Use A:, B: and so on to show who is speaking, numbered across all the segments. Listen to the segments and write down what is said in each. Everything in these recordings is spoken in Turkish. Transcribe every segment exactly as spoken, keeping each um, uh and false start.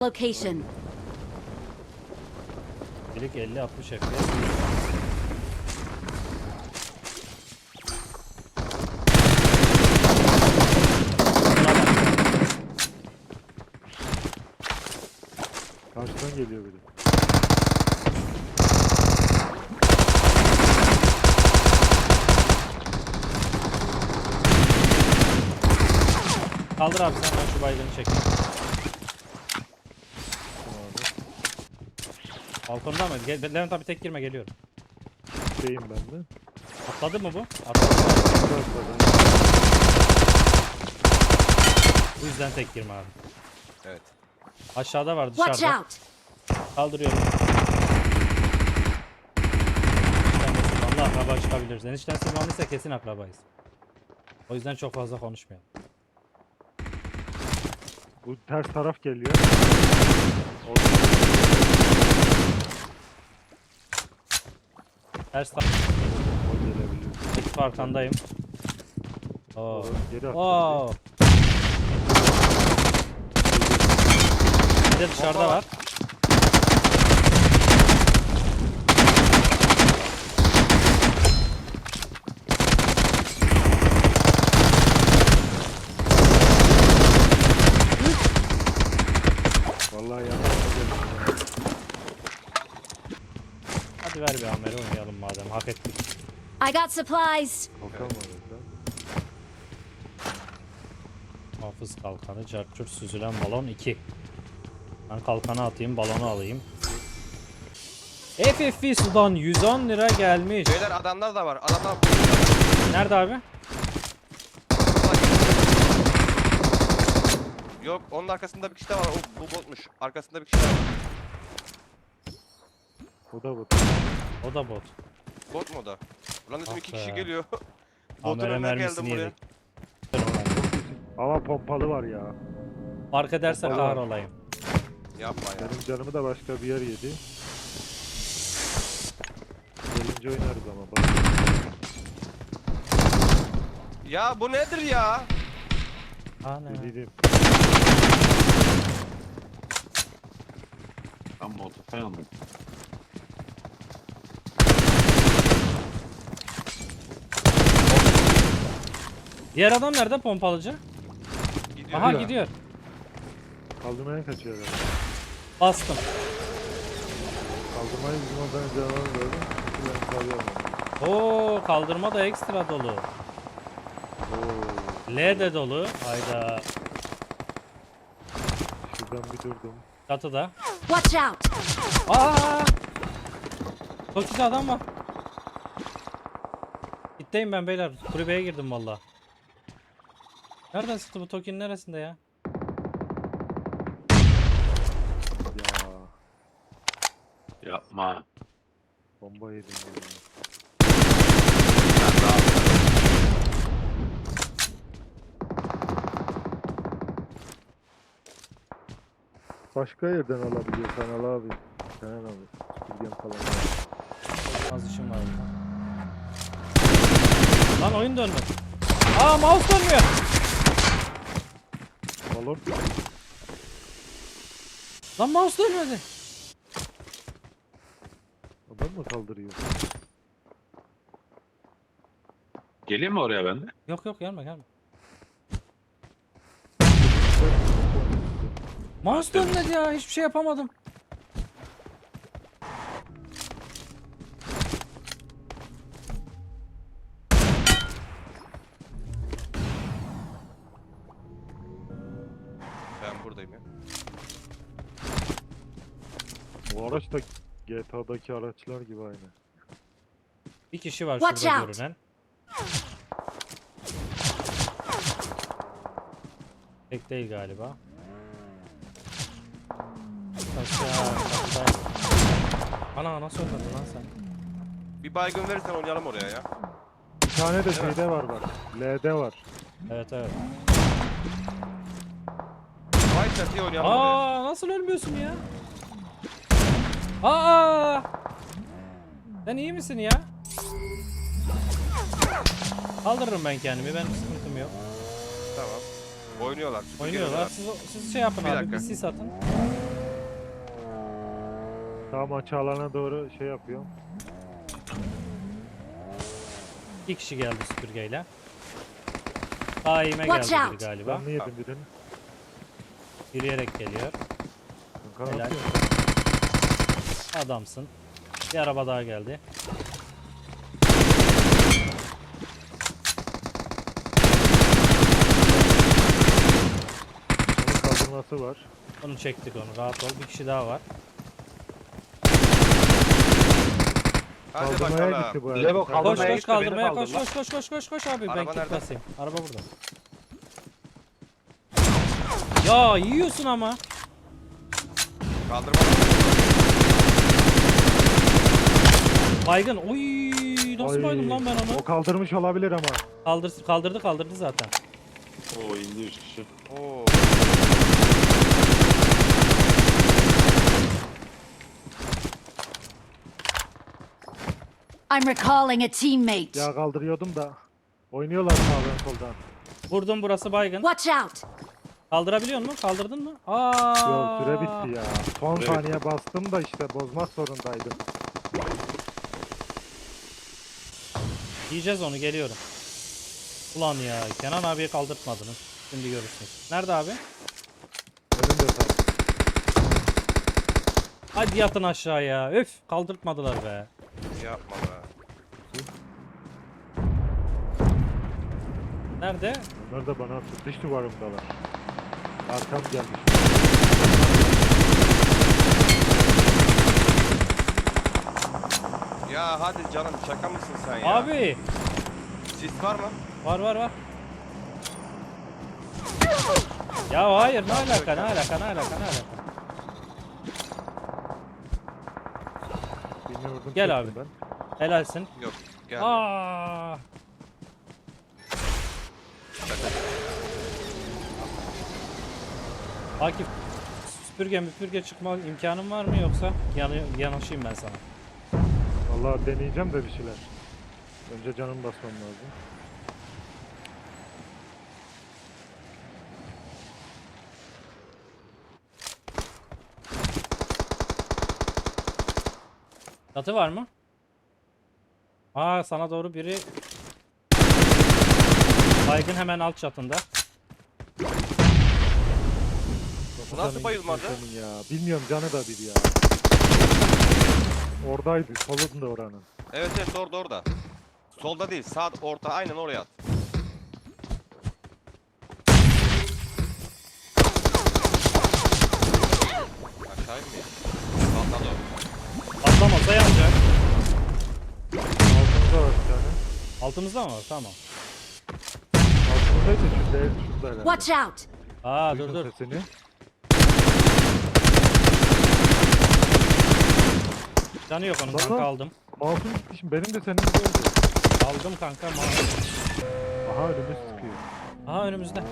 A: Location.
B: Direkt elli altmış F P S.
C: Karşıdan geliyor biri.
B: Kaldır abi sen, ben şu baygını çekeyim. Balkonda mı? Gel, Levent abi tek girme, geliyorum.
C: Şeyim ben de.
B: Atladı mı bu? Atladı. Bu yüzden tek girme abi.
D: Evet.
B: Aşağıda var,
A: Watch
B: dışarıda.
A: out.
B: Kaldırıyorum. Enişten de akraba çıkabiliriz. Enişten sırmanlıysa kesin akrabayız. O yüzden çok fazla konuşmayalım.
C: Bu ters taraf geliyor.
B: Ters taraf.
C: O gelebiliyor.
B: Ekip arkandayım. Oo.
C: Geri atladı.
B: Oo. Bir de dışarıda var.
C: Vallahi yanlış geldim.
B: Hadi ver bir amere oynayalım madem, hak ettik.
A: I got supplies.
C: Kalkan var orada.
B: Hafız kalkanı, carçur süzülen balon iki. Ben kalkanı atayım, balonu alayım. F F V sudan yüz on lira gelmiş.
D: Beyler adamlar da var. Adamlar
B: Nerede abi?
D: Yok, onun arkasında bir kişi de var. O bu botmuş. Arkasında bir kişi de var.
C: O da bu.
B: O da bot.
D: Bot mu o da? Ulan dedim
B: Ah
D: iki
B: be.
D: kişi geliyor. Botun
B: Amere
D: önüne
B: mermisini
D: geldim buraya.
B: yedik.
C: Ama pompalı var ya.
B: Fark ederse
C: Vallahi.
B: kahrolayım.
D: Yapma ya.
C: Benim canımı da başka bir yer yedi. Gelince oynarız ama bak.
D: Ya bu nedir ya?
B: Ana.
C: Dedim.
E: Tam motor falan mı?
B: Diğer adam nerede, pompalıcı?
D: Gidiyor.
B: Aha
C: ya.
B: gidiyor.
C: Kaldırmaya kaçıyor herhalde.
B: Bastım.
C: Kaldırmayı bizim oradan canavar gördüm. Ben kalıyorum.
B: Oo, kaldırma da ekstra dolu.
C: Oo.
B: L de dolu. Hayda.
C: Şuradan bir durdum.
B: Çatıda.
A: Watch out.
B: Aa! Toki'de adam var. Gitteyim ben beyler. Kulübeye girdim valla. Nereden sıktı bu, Toki'nin neresinde ya?
C: Ya
E: Yapma.
C: bomba yedim ya.
E: Sen daha
C: Başka yerden alabiliyorsan al abi. Sen al abi. Süpürgen falan.
B: Az işim var burada. Lan oyun dönmedi. Aa, mouse dönmüyor.
C: Balon.
B: Lan mouse dönmedi.
C: Adam mı kaldırıyor?
E: geleyim mi oraya ben de?
B: Yok yok, gelme gelme. Mouse dönmedi ya, hiçbir şey yapamadım.
D: Ben buradayım ya.
C: Bu araç da G T A'daki araçlar gibi aynı.
B: Bir kişi var
A: Watch
B: şurada
A: out.
B: görünen. Tek değil galiba. Aşağı, aşağı. Ana nasıl ölmedin lan sen?
D: Bir baygın verirsen oynayalım oraya ya.
C: Bir tane de şeyde var bak. L'de var.
B: Evet evet.
D: Vay çatıya oynayalım oraya.
B: Aa, nasıl ölmüyorsun ya? Aa! Sen iyi misin ya? Kaldırırım ben kendimi, benim sıkıntım yok.
D: Tamam. Oynuyorlar. süpürge
B: Oynuyorlar. Siz, siz şey yapın
D: Bir
B: abi,
D: dakika.
B: bir sis atın.
C: Tam açı alana doğru şey yapıyorum.
B: İki kişi geldi süpürgeyle. Daime
A: Watch
B: geldi biri
A: out.
B: galiba.
C: Ben mi yedim birini?
B: Yürüyerek geliyor.
C: Kanka
B: Helal.
C: atıyor.
B: Adamsın. Bir araba daha geldi.
C: Onun kaldırması var.
B: Onu çektik onu. Rahat ol. Bir kişi daha var.
D: Hadi
C: Kaldırmaya
D: bakalım.
C: gitti bu
E: Levo,
C: arada.
B: Koş
E: Kaldırmaya
B: koş
E: gitti, beni
B: kaldırmaya koş
E: kaldırdılar.
B: koş koş koş koş koş abi ben
D: Araba
B: kit
D: nerede?
B: basayım. Araba burada. Ya yiyorsun ama.
D: Kaldırma.
B: Baygın. Oy nasıl
C: Ay,
B: baydım lan ben onu?
C: O kaldırmış olabilir ama.
B: Kaldır, kaldırdı kaldırdı zaten.
E: Oo indi üç kişi.
D: Oo.
A: I'm recalling a teammate.
C: Ya kaldırıyordum da. Oynuyorlar sağdan soldan.
B: Vurdum burası baygın.
A: Watch out.
B: Kaldırabiliyor musun? Kaldırdın mı? Aa.
C: Yok süre bitti ya. Son
E: Süre
C: saniye bastım da işte bozmak zorundaydım.
B: Yiyeceğiz onu geliyorum. Ulan ya Kenan abiye kaldırtmadınız. Şimdi görürsünüz. Nerede abi?
C: Önümde tabii.
B: Hadi yatın aşağıya. Öf kaldırtmadılar be.
D: Yapma be.
B: Nerede?
C: Onlar da bana attı. Dış duvarımdalar. Arkam gelmiş.
D: Ya hadi canım şaka mısın sen ya?
B: Abi.
D: Sis var mı?
B: Var var var. Ya hayır ne alaka ne alaka ne alaka ne alaka.
C: Birini vurdum.
B: Gel
C: çektim
B: abi.
C: Ben.
B: Helalsin.
D: Yok. Gel.
B: Aa. Akif süpürge müpürge çıkma imkanın var mı yoksa yanı, yanaşayım ben sana.
C: Vallahi deneyeceğim de bir şeyler. Önce canım basmam lazım.
B: Çatı var mı? Aa sana doğru biri baygın hemen alt çatında.
D: Bu nasıl
C: Canın
D: bayılmadı?
C: gitsin senin ya. Bilmiyorum canı da bir ya. Oradaydı. Solunda oranın.
D: Evet evet orada orada. Solda değil sağ orta aynen oraya at. Aşağı inmeyin. Patladı o.
B: Atlamasa yanacak.
C: Altımızda var bir tane.
B: Altımızda mı var? Tamam.
C: Altımızdaysa şu değil şurada herhalde.
A: Watch out.
B: Aa dur
C: Duydun
B: dur.
C: sesini.
B: Canı yok onun
C: Lan
B: kanka
C: lan.
B: aldım.
C: Masum gitti şimdi. Benim de senin gibi oldu.
B: Aldım kanka. ma-
C: Aha önümü sıkıyor.
B: Aha önümüzde.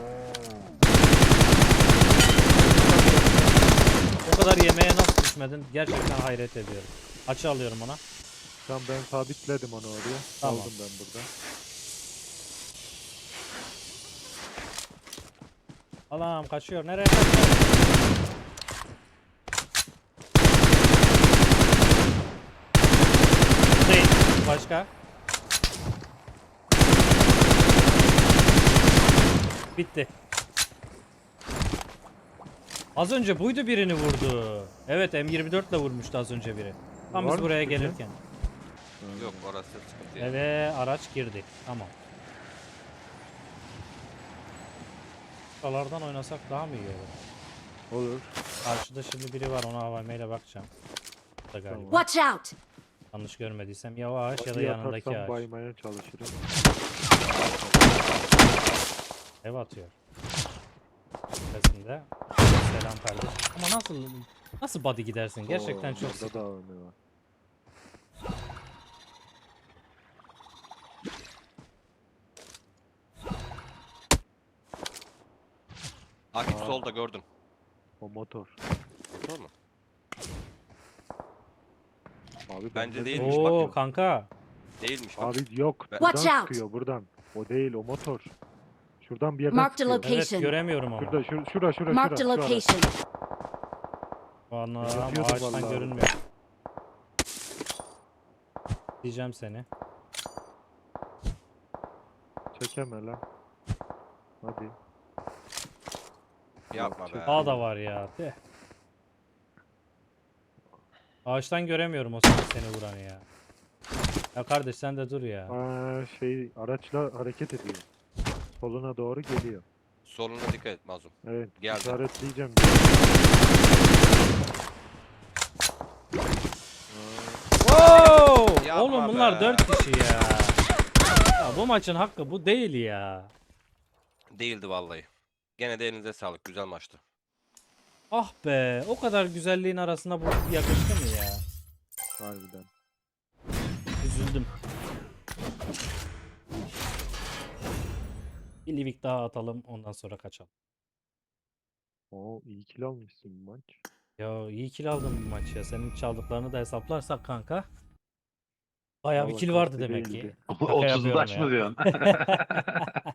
B: O kadar yemeğe nasıl düşmedin? Gerçekten hayret ediyorum. Açı alıyorum ona.
C: Tamam ben sabitledim onu oraya.
B: Tamam.
C: Aldım ben burada.
B: Allah'ım kaçıyor. Nereye kaçıyor? Değil. Başka? Bitti. Az önce buydu birini vurdu. Evet M yirmi dört ile vurmuştu az önce biri. Tam
C: Var
B: biz
C: mı
B: buraya
C: sıkıntı?
B: gelirken.
D: Yok orası sıkıntı değil.
B: Eve araç girdi. Tamam. Buralardan oynasak daha mı iyi olur?
C: Olur.
B: Karşıda şimdi biri var, ona A V M ile bakacağım. Bu da galiba.
C: Tamam.
A: Watch out.
B: Yanlış görmediysem ya o ağaç ya da
C: Bir
B: yanındaki
C: atarsam
B: ağaç.
C: baymaya çalışırım.
B: Ev atıyor. Sesinde. Selam kardeş. Ama nasıl nasıl body gidersin? Gerçekten
C: Oo,
B: çok
C: burada
B: sık.
C: da A V M var.
D: Akif
C: Aa.
D: solda gördüm.
C: O motor.
D: Doğru mu?
C: Abi
D: Bence
C: bende
D: değil.
C: değil.
D: Değilmiş,
B: Oo
D: bakın.
B: kanka.
D: Değilmiş bak.
C: Abi yok.
D: Ben-
C: Buradan
A: Watch out.
C: sıkıyor buradan. O değil o motor. Şuradan bir yerden
A: Marked a
C: sıkıyor.
A: location.
B: Evet göremiyorum ama.
C: Şurada şur şura şura
A: Marked a
C: şura. şu ara.
A: location.
B: Anam
C: Yatıyordu
B: ağaçtan
C: vallahi.
B: görünmüyor. Diyeceğim seni.
C: Çekeme lan. Hadi.
D: Yapma be.
B: Daha da var ya. De. Ağaçtan göremiyorum o seni, seni vuranı ya. Ya kardeş sen de dur ya.
C: Aa, şey araçla hareket ediyor. Soluna doğru geliyor.
D: Soluna dikkat et Mazlum.
C: Evet.
D: Geldi.
C: İşaretleyeceğim.
B: Wow!
D: Yapma
B: Oğlum bunlar
D: be.
B: dört kişi ya. Ya bu maçın hakkı bu değil ya.
D: Değildi vallahi. Gene de elinize sağlık. Güzel maçtı.
B: Ah be, o kadar güzelliğin arasına bu yakıştı mı ya?
C: Harbiden.
B: Üzüldüm. Bir livik daha atalım ondan sonra kaçalım.
C: Oo, iyi kill almışsın bu maç.
B: Ya iyi kill aldım bu maç ya. Senin çaldıklarını da hesaplarsak kanka. Bayağı bir
C: Vallahi
B: kill vardı
C: kasti
B: demek ki.
C: değildi.
B: Şaka
E: otuz
B: yapıyorum
E: taş
B: ya.
E: mı diyorsun?